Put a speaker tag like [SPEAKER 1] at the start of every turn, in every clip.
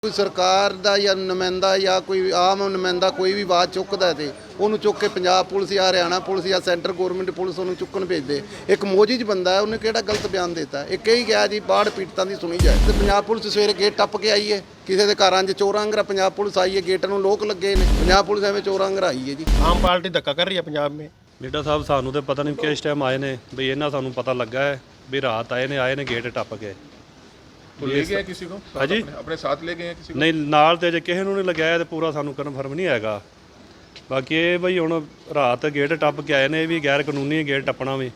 [SPEAKER 1] ਕੋਈ ਸਰਕਾਰ ਦਾ ਜਾਂ ਨੁਮਾਇੰਦਾ ਜਾਂ ਕੋਈ ਆਮ ਨੁਮਾਇੰਦਾ ਕੋਈ ਵੀ ਆਵਾਜ਼ ਚੁੱਕਦਾ ਤੇ ਉਹਨੂੰ ਚੁੱਕ ਕੇ ਪੰਜਾਬ ਪੁਲਿਸ ਜਾਂ ਹਰਿਆਣਾ ਪੁਲਿਸ ਜਾਂ ਸੈਂਟਰ ਗਵਰਨਮੈਂਟ ਪੁਲਿਸ ਉਹਨੂੰ ਚੁੱਕਣ ਭੇਜਦੇ। ਇੱਕ ਮੋਜੀਜ ਬੰਦਾ ਹੈ, ਉਹਨੇ ਕਿਹੜਾ ਗਲਤ ਬਿਆਨ ਦਿੱਤਾ। ਇਹ ਕਹੀ ਗਿਆ ਜੀ ਬਾੜ ਪੀੜਤਾਂ ਦੀ ਸੁਣੀ ਜਾਏ ਤੇ ਪੰਜਾਬ ਪੁਲਿਸ ਸਵੇਰੇ ਗੇਟ ਟੱਪ ਕੇ ਆਈ ਹੈ। ਕਿਸੇ ਦੇ ਘਰਾਂ 'ਚ ਚੋਰਾਂ ਅੰਗਰਾ ਪੰਜਾਬ ਪੁਲਿਸ ਆਈ ਹੈ, ਗੇਟ ਨੂੰ ਲੋਕ ਲੱਗੇ ਨੇ। ਪੰਜਾਬ ਪੁਲਿਸ ਐਵੇਂ ਚੋਰਾਂ ਅੰਗਰਾ ਆਈ ਹੈ ਜੀ।
[SPEAKER 2] ਆਮ ਪਾਰਟੀ ਧੱਕਾ ਕਰ ਰਹੀ ਹੈ ਪੰਜਾਬ में।
[SPEAKER 3] ਲੀਡਰ ਸਾਹਿਬ ਸਾਨੂੰ ਤੇ ਪਤਾ ਨਹੀਂ ਕਿਸ ਟਾਈਮ ਆਏ ਨੇ ਵੀ ਇਹਨਾਂ ਸਾਨੂੰ ਪਤਾ ਲੱਗਾ ਹੈ ਵੀ ਰਾਤ ਆਏ ਨੇ ਗੇਟ ਟੱਪ ਕੇ।
[SPEAKER 4] तो ले गए किसी को?
[SPEAKER 3] हाँ जी?
[SPEAKER 4] अपने साथ ले गए हैं किसी को?
[SPEAKER 3] ਨਹੀਂ ਨਾਲ ਤੇ ਜੇ ਕਿਸੇ ਨੂੰ ਨਹੀਂ ਲਗਾਇਆ ਤੇ ਪੂਰਾ ਸਾਨੂੰ ਕਨਫਰਮ ਨਹੀਂ ਹੈਗਾ। ਬਾਕੀ ਇਹ ਬਈ ਹੁਣ ਰਾਤ ਗੇਟ ਟੱਪ ਕੇ ਆਏ ਨੇ, ਇਹ ਵੀ ਗੈਰ ਕਾਨੂੰਨੀ ਗੇਟ ਟੱਪਣਾ ਵੀ।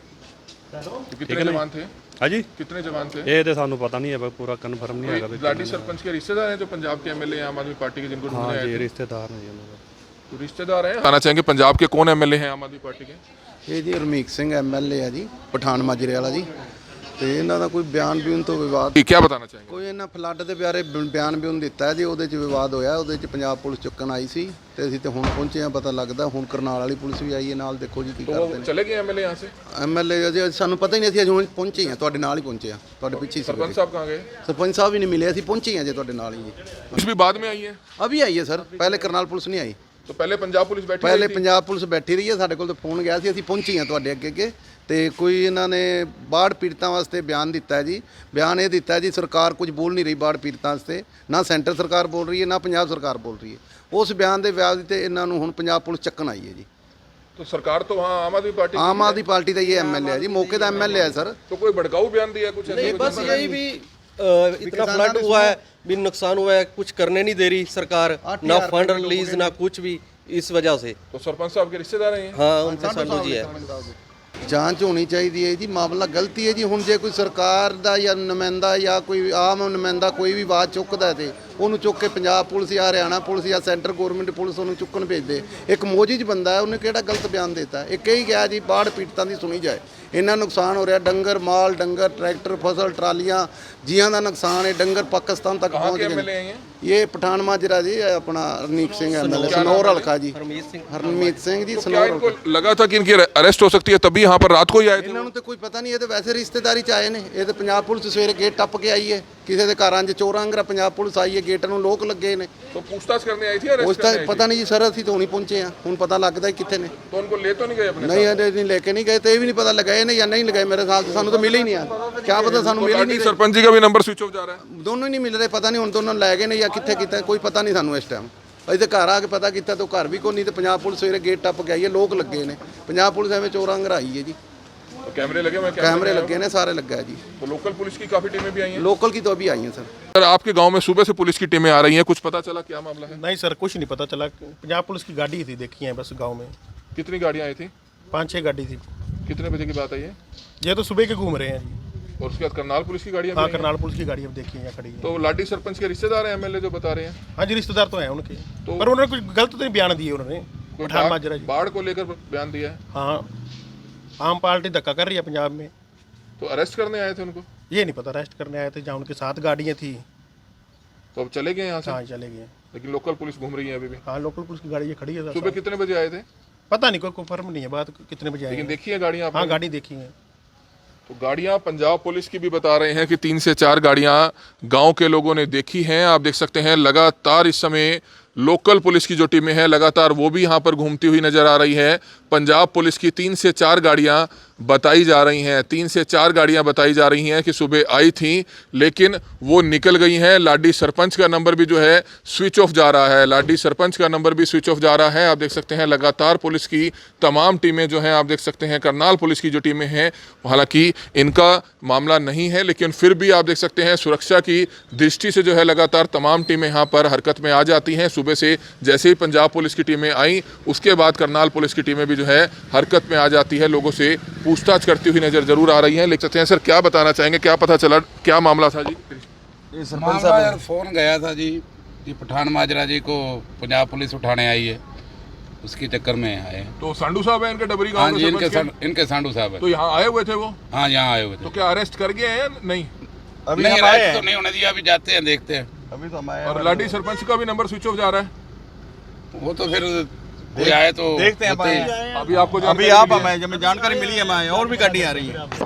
[SPEAKER 4] तो कितने जवान थे?
[SPEAKER 3] ਹਾਂਜੀ
[SPEAKER 4] कितने जवान थे?
[SPEAKER 3] ਇਹ ਤੇ ਸਾਨੂੰ ਪਤਾ ਨਹੀਂ ਹੈ, ਪੂਰਾ ਕਨਫਰਮ ਨਹੀਂ ਹੈਗਾ।
[SPEAKER 4] लाडी सरपंच के रिश्तेदार हैं जो पंजाब के एमएलए आम आदमी पार्टी के, जिनको ढूंढने आए
[SPEAKER 3] ਹਾਂਜੀ
[SPEAKER 4] थे?
[SPEAKER 3] ਰਿਸ਼ਤੇਦਾਰ ਨੇ ਜੀ ਉਹਨਾਂ ਦੇ।
[SPEAKER 4] तो रिश्तेदार हैं। बताना चाहेंगे पंजाब के कौन एमएलए हैं आम आदमी पार्टी के?
[SPEAKER 1] ਇਹ ਜੀ ਹਰਮੀਤ ਸਿੰਘ ਐਮਐਲਏ ਆ ਜੀ, ਪਠਾਨ ਮਾਜਰੇ ਵਾਲਾ ਜੀ। ਤੇ ਇਹਨਾਂ ਦਾ ਕੋਈ ਬਿਆਨ ਬਿਊਨ ਤੋਂ ਵਿਵਾਦ,
[SPEAKER 4] क्या बताना चाहेंगे?
[SPEAKER 1] ਕੋਈ ਇਹਨਾਂ ਫਲੱਡ ਦੇ ਬਾਰੇ ਬਿਆਨ ਬਿਊਨ ਦਿੱਤਾ ਜੀ, ਉਹਦੇ 'ਚ ਵਿਵਾਦ ਹੋਇਆ। ਉਹਦੇ 'ਚ ਪੰਜਾਬ ਪੁਲਿਸ ਚੁੱਕਣ ਆਈ ਸੀ ਤੇ ਅਸੀਂ ਤੇ ਹੁਣ ਪਹੁੰਚੇ ਆ। ਪਤਾ ਲੱਗਦਾ ਹੁਣ ਕਰਨਾਲ ਵਾਲੀ ਪੁਲਿਸ ਵੀ ਆਈ ਹੈ ਨਾਲ। ਦੇਖੋ ਜੀ ਕੀ ਕਰਦੇ ਨੇ।
[SPEAKER 4] चले गए एमएलए यहाँ से?
[SPEAKER 1] ਐਮਐਲਏ ਜੀ ਸਾਨੂੰ ਪਤਾ ਹੀ ਨਹੀਂ, ਅਸੀਂ ਅਜੇ ਹੁਣ ਪਹੁੰਚੇ ਆ, ਤੁਹਾਡੇ ਨਾਲ ਹੀ ਪਹੁੰਚੇ ਆ, ਤੁਹਾਡੇ ਪਿੱਛੇ ਹੀ ਸੀ।
[SPEAKER 4] सरपंच साहब कहाँ गए?
[SPEAKER 1] ਸਰਪੰਚ ਸਾਹਿਬ ਵੀ ਨਹੀਂ ਮਿਲੇ, ਅਸੀਂ ਪਹੁੰਚੇ ਆ ਜੇ ਤੁਹਾਡੇ ਨਾਲ ਹੀ ਜੀ।
[SPEAKER 4] कुछ भी बाद में आई है?
[SPEAKER 1] ਅਭੀ ਆਈ ਹੈ ਸਰ, ਪਹਿਲੇ ਕਰਨਾਲ ਪੁਲਿਸ ਨਹੀਂ ਆਈ।
[SPEAKER 4] तो पहले पंजाब पुलिस बैठी
[SPEAKER 1] ਪਹਿਲੇ
[SPEAKER 4] हुई थी?
[SPEAKER 1] ਪੰਜਾਬ ਪੁਲਿਸ ਬੈਠੀ ਰਹੀ ਹੈ, ਸਾਡੇ ਕੋਲ ਤਾਂ ਫੋਨ ਗਿਆ ਸੀ, ਅਸੀਂ ਪਹੁੰਚੇ ਹਾਂ ਤੁਹਾਡੇ ਅੱਗੇ ਤੇ ਕੋਈ ਇਹਨਾਂ ਨੇ ਬਾੜ ਪੀੜਤਾਂ ਵਾਸਤੇ ਬਿਆਨ ਦਿੱਤਾ ਹੈ ਜੀ। ਬਿਆਨ ਇਹ ਦਿੱਤਾ ਜੀ ਸਰਕਾਰ ਕੁਝ ਬੋਲ ਨਹੀਂ ਰਹੀ ਬਾੜ ਪੀੜਤਾਂ ਵਾਸਤੇ, ਨਾ ਸੈਂਟਰ ਸਰਕਾਰ ਬੋਲ ਰਹੀ ਹੈ ਨਾ ਪੰਜਾਬ ਸਰਕਾਰ ਬੋਲ ਰਹੀ ਹੈ। ਉਸ ਬਿਆਨ ਦੇ ਵਿਆਜ ਤੇ ਇਹਨਾਂ ਨੂੰ ਹੁਣ ਪੰਜਾਬ ਪੁਲਿਸ ਚੱਕਣ ਆਈ ਹੈ ਜੀ।
[SPEAKER 4] तो सरकार तो वहाँ आम आदमी पार्टी
[SPEAKER 1] ਆਮ ਆਦਮੀ ਪਾਰਟੀ ਦਾ ਇਹ ਐਮਐਲਏ ਹੈ ਜੀ, मौके ਦਾ ਐਮਐਲए है सर।
[SPEAKER 4] तो कोई भड़काऊ बयान दिया कुछ?
[SPEAKER 2] नहीं बस यही भी इतना फ्लड हुआ है, भी नुकसान हुआ है, कुछ करने नहीं दे रही सरकार, ना फंड रिलीज ना कुछ भी, इस वजह से।
[SPEAKER 4] तो सरपंच साहब के रिश्तेदार हैं ये?
[SPEAKER 2] हाँ उनके साधु जी है।
[SPEAKER 1] ਜਾਂਚ ਹੋਣੀ ਚਾਹੀਦੀ ਹੈ ਜੀ, ਮਾਮਲਾ ਗਲਤੀ ਹੈ ਜੀ। ਹੁਣ ਜੇ ਕੋਈ ਸਰਕਾਰ ਦਾ ਜਾਂ ਨੁਮਾਇੰਦਾ ਜਾਂ ਕੋਈ ਆਮ ਨੁਮਾਇੰਦਾ ਕੋਈ ਵੀ ਆਵਾਜ਼ ਚੁੱਕਦਾ ਤੇ ਉਹਨੂੰ ਚੁੱਕ ਕੇ ਪੰਜਾਬ ਪੁਲਿਸ ਜਾਂ ਹਰਿਆਣਾ ਪੁਲਿਸ ਜਾਂ ਸੈਂਟਰ ਗਵਰਨਮੈਂਟ ਪੁਲਿਸ ਉਹਨੂੰ ਚੁੱਕਣ ਭੇਜਦੇ। ਇੱਕ ਮੋਜੀਜ ਬੰਦਾ ਹੈ, ਉਹਨੇ ਕਿਹੜਾ ਗਲਤ ਬਿਆਨ ਦਿੱਤਾ। ਇਹ ਕਹੀ ਗਿਆ ਜੀ ਬਾੜ ਪੀੜਤਾਂ ਦੀ ਸੁਣੀ ਜਾਏ। ਇੰਨਾ ਨੁਕਸਾਨ ਹੋ ਰਿਹਾ, ਡੰਗਰ ਮਾਲ, ਡੰਗਰ ਟਰੈਕਟਰ ਫਸਲ ਟਰਾਲੀਆਂ ਜੀਆਂ ਦਾ ਨੁਕਸਾਨ ਹੈ। ਡੰਗਰ ਪਾਕਿਸਤਾਨ ਤੱਕ
[SPEAKER 4] कहाँ
[SPEAKER 1] ਪਹੁੰਚ
[SPEAKER 4] के
[SPEAKER 1] ਗਏ।
[SPEAKER 4] एमएलए हैं ये?
[SPEAKER 1] ਇਹ ਪਠਾਨ ਮਾਜਰਾ ਜੀ, ਇਹ ਆਪਣਾ ਹਰਨੀਕ ਸਿੰਘ ਐਮਐਲਏ ਸਨੌਰ ਹਲਕਾ ਜੀ। ਹਰਮੀਤ ਸਿੰਘ ਜੀ
[SPEAKER 4] क्या
[SPEAKER 1] ਸਨੌਰ
[SPEAKER 4] इनको लगा था कि इनकी अरेस्ट हो सकती है तभी यहाँ पर रात को ही आए थे?
[SPEAKER 1] ਇਹਨਾਂ ਨੂੰ ਤੇ ਕੋਈ ਪਤਾ ਨਹੀਂ, ਇਹ ਤੇ ਵੈਸੇ ਰਿਸ਼ਤੇਦਾਰੀ ਚ ਆਏ ਨੇ। ਇਹ ਤੇ ਪੰਜਾਬ ਪੁਲਿਸ ਸਵੇਰੇ ਗੇਟ ਟੱਪ ਕੇ ਆਈ ਹੈ। ਕਿਸੇ ਦੇ ਘਰਾਂ 'ਚ ਚੋਰਾਂ ਅੰਗਰਾ ਪੰਜਾਬ ਪੁਲਿਸ ਆਈ ਹੈ, ਗੇਟ ਨੂੰ ਲੋਕ ਲੱਗੇ ਨੇ।
[SPEAKER 4] तो पूछताछ करने आई थी?
[SPEAKER 1] ਉਸ
[SPEAKER 4] अरेस्ट
[SPEAKER 1] ਤਾਂ
[SPEAKER 4] करने आई
[SPEAKER 1] ਪਤਾ ਨਹੀਂ ਜੀ ਸਰ, ਅਸੀਂ ਤਾਂ ਹੁਣੀ ਪਹੁੰਚੇ ਆ, ਹੁਣ ਪता ਲੱਗਦਾ ਕਿੱਥੇ ਨੇ।
[SPEAKER 4] थी? तो उनको ले तो नहीं गए अपने
[SPEAKER 1] ਨਹੀਂ ਅਜੇ ਨਹੀਂ ਲੈ ਕੇ ਨਹੀਂ ਗਏ ਤੇ ਇਹ ਵੀ ਨਹੀਂ ਪਤਾ ਲਗਾਏ ਨੇ ਜਾਂ ਨਹੀਂ ਲਗਾਏ। ਮੇਰੇ ਖਿਆਲ 'ਚ ਸਾਨੂੰ ਤਾਂ ਮਿਲੇ ਹੀ ਨਹੀਂ ਆ, ਕਿਆ ਪਤਾ ਸਾਨੂੰ ਮਿਲੇ ਹੀ ਨਹੀਂ।
[SPEAKER 4] साथ? सरपंच जी का भी नंबर स्विच ऑफ जा रहा है?
[SPEAKER 1] ਦੋਨੋਂ ਹੀ ਨਹੀਂ ਮਿਲ ਰਹੇ, ਪਤਾ ਨਹੀਂ ਹੁਣ ਦੋਨੋਂ ਲੈ ਗਏ ਨੇ ਜਾਂ ਕਿੱਥੇ ਕੀਤਾ, ਕੋਈ ਪਤਾ ਨਹੀਂ ਸਾਨੂੰ ਇਸ ਟਾਈਮ। ਅਸੀਂ ਤਾਂ ਘਰ ਆ ਕੇ ਪਤਾ ਕੀਤਾ ਤਾਂ ਘਰ ਵੀ ਕੋਈ ਨਹੀਂ, ਤੇ ਪੰਜਾਬ ਪੁਲਿਸ ਸਵੇਰੇ ਗੇਟ ਟੱਪ ਕੇ ਆਈ ਹੈ, ਲੋਕ ਲੱਗੇ ਨੇ। ਪੰਜਾਬ ਪੁਲਿਸ ਐਵੇਂ ਚੋਰਾਂ ਅੰਗਰਾ ਆਈ ਹੈ ਜੀ।
[SPEAKER 4] तो कैमरे लगे हुए हैं?
[SPEAKER 1] कैमरे लगे ने, सारे लग गए जी।
[SPEAKER 4] तो लोकल पुलिस की काफी टीमें भी आई हैं?
[SPEAKER 1] लोकल की तो अभी आई हैं सर।
[SPEAKER 4] सर आपके गांव में सुबह से पुलिस की टीमें आ रही हैं, कुछ पता चला क्या मामला है?
[SPEAKER 2] नहीं सर कुछ नहीं पता चला। पंजाब पुलिस की गाड़ी थी, देखी है बस गांव में
[SPEAKER 4] कितनी गाड़ियां आई थी?
[SPEAKER 2] 5-6 गाड़ी थी।
[SPEAKER 4] कितने बजे की बात है ये?
[SPEAKER 2] ये तो सुबह के घूम रहे हैं जी।
[SPEAKER 4] और उसके बाद करनाल पुलिस की गाड़ियां
[SPEAKER 2] हाँ
[SPEAKER 4] भी आई हैं?
[SPEAKER 2] करनाल पुलिस की गाड़ी अब देखी है यहाँ खड़ी है।
[SPEAKER 4] तो लाडी सरपंच के रिश्तेदार हैं एमएलए जो बता रहे हैं?
[SPEAKER 2] हाँ जी रिश्तेदार तो हैं उनके,
[SPEAKER 4] तो-
[SPEAKER 2] पर उन्होंने कुछ गलत तो नहीं बयान दिए उन्होंने।
[SPEAKER 4] कोई
[SPEAKER 2] पठान माजरा जी।
[SPEAKER 4] बाढ़ को लेकर बयान दिया है?
[SPEAKER 2] हाँ आम पार्टी धक्का कर रही है पंजाब में।
[SPEAKER 4] तो अरेस्ट करने आए थे उनको?
[SPEAKER 2] ये नहीं पता अरेस्ट करने आए थे, जहाँ उनके साथ गाड़ियाँ थी।
[SPEAKER 4] तो अब चले गए यहाँ से?
[SPEAKER 2] हाँ चले गए।
[SPEAKER 4] लेकिन लोकल पुलिस घूम रही है अभी भी?
[SPEAKER 2] हाँ लोकल पुलिस की गाड़ी ये खड़ी है।
[SPEAKER 4] सुबह कितने बजे आए थे?
[SPEAKER 2] पता नहीं, कोई कंफर्म नहीं है बात कितने बजे
[SPEAKER 4] लेकिन
[SPEAKER 2] आएंगे।
[SPEAKER 4] देखी है गाड़ियां आपने?
[SPEAKER 2] हाँ गाड़ी देखी है।
[SPEAKER 4] तो गाड़ियां पंजाब पुलिस की भी बता रहे हैं कि 3 से 4 गाड़ियां गांव के लोगों ने देखी हैं। आप देख सकते हैं लगातार इस समय लोकल पुलिस की जो टीमें हैं लगातार वो भी यहाँ पर घूमती हुई नजर आ रही है। पंजाब पुलिस की 3 से 4 गाड़ियां बताई जा रही हैं, 3 से 4 गाड़ियां बताई जा रही हैं कि सुबह आई थी लेकिन वो निकल गई हैं। लाडी सरपंच का नंबर भी जो है स्विच ऑफ जा रहा है, लाडी सरपंच का नंबर भी स्विच ऑफ जा रहा है। आप देख सकते हैं लगातार पुलिस की तमाम टीमें जो हैं, आप देख सकते हैं करनाल पुलिस की जो टीमें हैं, हालांकि इनका मामला नहीं है लेकिन फिर भी आप देख सकते हैं सुरक्षा की दृष्टि से जो है लगातार तमाम टीमें यहाँ पर हरकत में आ जाती हैं। सुबह से जैसे ही पंजाब पुलिस की टीमें आई उसके बाद करनाल पुलिस की टीमें भी जो है हरकत में आ जाती है, लोगों से पूछताछ करती हुई नजर जरूर आ रही है। लिख सकते हैं सर क्या बताना चाहेंगे, क्या पता चला, क्या मामला था जी?
[SPEAKER 5] ये सरपंच साहब यार फ़ोन गया था जी, ये पठान माजरा जी को पंजाब पुलिस उठाने आई है, उसकी चक्कर में आए हैं।
[SPEAKER 4] तो सांडू साहब है इनके डबरी
[SPEAKER 5] हाँ
[SPEAKER 4] गांव
[SPEAKER 5] जी
[SPEAKER 4] के
[SPEAKER 5] इनके सांडू साहब है।
[SPEAKER 4] तो यहाँ आए हुए थे वो?
[SPEAKER 5] हाँ यहाँ आए हुए थे।
[SPEAKER 4] तो क्या अरेस्ट कर गए हैं या नहीं?
[SPEAKER 5] अभी नहीं अरेस्ट तो नहीं होने दिया, अभी जाते हैं देखते हैं।
[SPEAKER 2] अभी तो हमारे
[SPEAKER 4] और लाडी सरपंच का भी नंबर स्विच ऑफ जा रहा है?
[SPEAKER 5] वो तो फिर कोई आए तो
[SPEAKER 2] देखते हैं
[SPEAKER 4] अभी आपको
[SPEAKER 2] अभी आप हमें जब जानकारी मिली है हमें और भी गाड़ी आ रही है।